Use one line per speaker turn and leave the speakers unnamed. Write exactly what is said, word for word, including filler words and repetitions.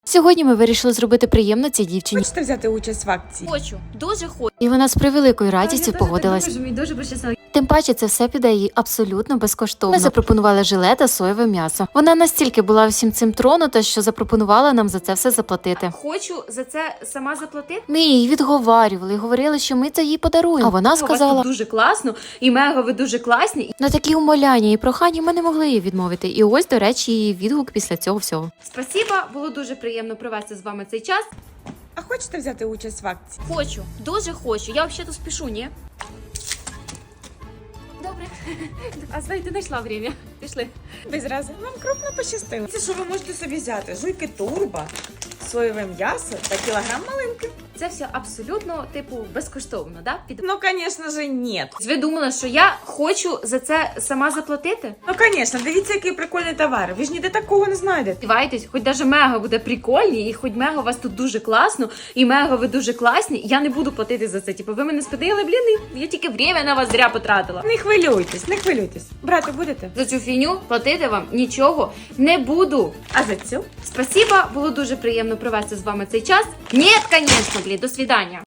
Сьогодні ми вирішили зробити приємно цій дівчині.
Хочете взяти участь в акції?
Хочу, дуже хочу.
І вона з превеликою радістю погодилась.
Я мені дуже пощастило.
Тим паче це все піде їй абсолютно безкоштовно. Ми запропонували желе та соєве м'ясо. Вона настільки була всім цим тронута, що запропонувала нам за це все заплатити.
Хочу за це сама заплатити.
Ми її відговарювали і говорили, що ми це їй подаруємо. А вона
У вас
сказала,
тут дуже класно, і мега ви дуже класні.
на такі умоляння і прохання ми не могли її відмовити. І ось, до речі, її відгук після цього всього.
Спасіба, було дуже приємно провести з вами цей час.
А хочете взяти участь в акції?
Хочу, дуже хочу. Я взагалі спішу, ні? Добре. А знаєте, знайшла время. Пішли.
Без рази. Вам крупно пощастило. Це що ви можете собі взяти? Жуйки турбо, соєве м'ясо та кілограм малинки.
Це все абсолютно, типу, безкоштовно, да? Під...
Ну, звісно ж, ні.
Ви думали, що я хочу за це сама заплатити?
Ну, звісно, дивіться, який прикольний товар. Ви ж ніде такого не знайдете.
Сподівайтесь, хоч даже мега буде прикольні, і хоч мега у вас тут дуже класно, і мега ви дуже класні, я не буду платити за це. Типу, ви мене сподили, блін, я тільки время на вас зря потратила.
Не хвилюйтесь, не хвилюйтесь. Брати будете?
За цю фігню платити вам нічого не буду.
А за цю?
Спасибо, було дуже приємно провести з вами цей час. Ні, звісно, блін, до свидання.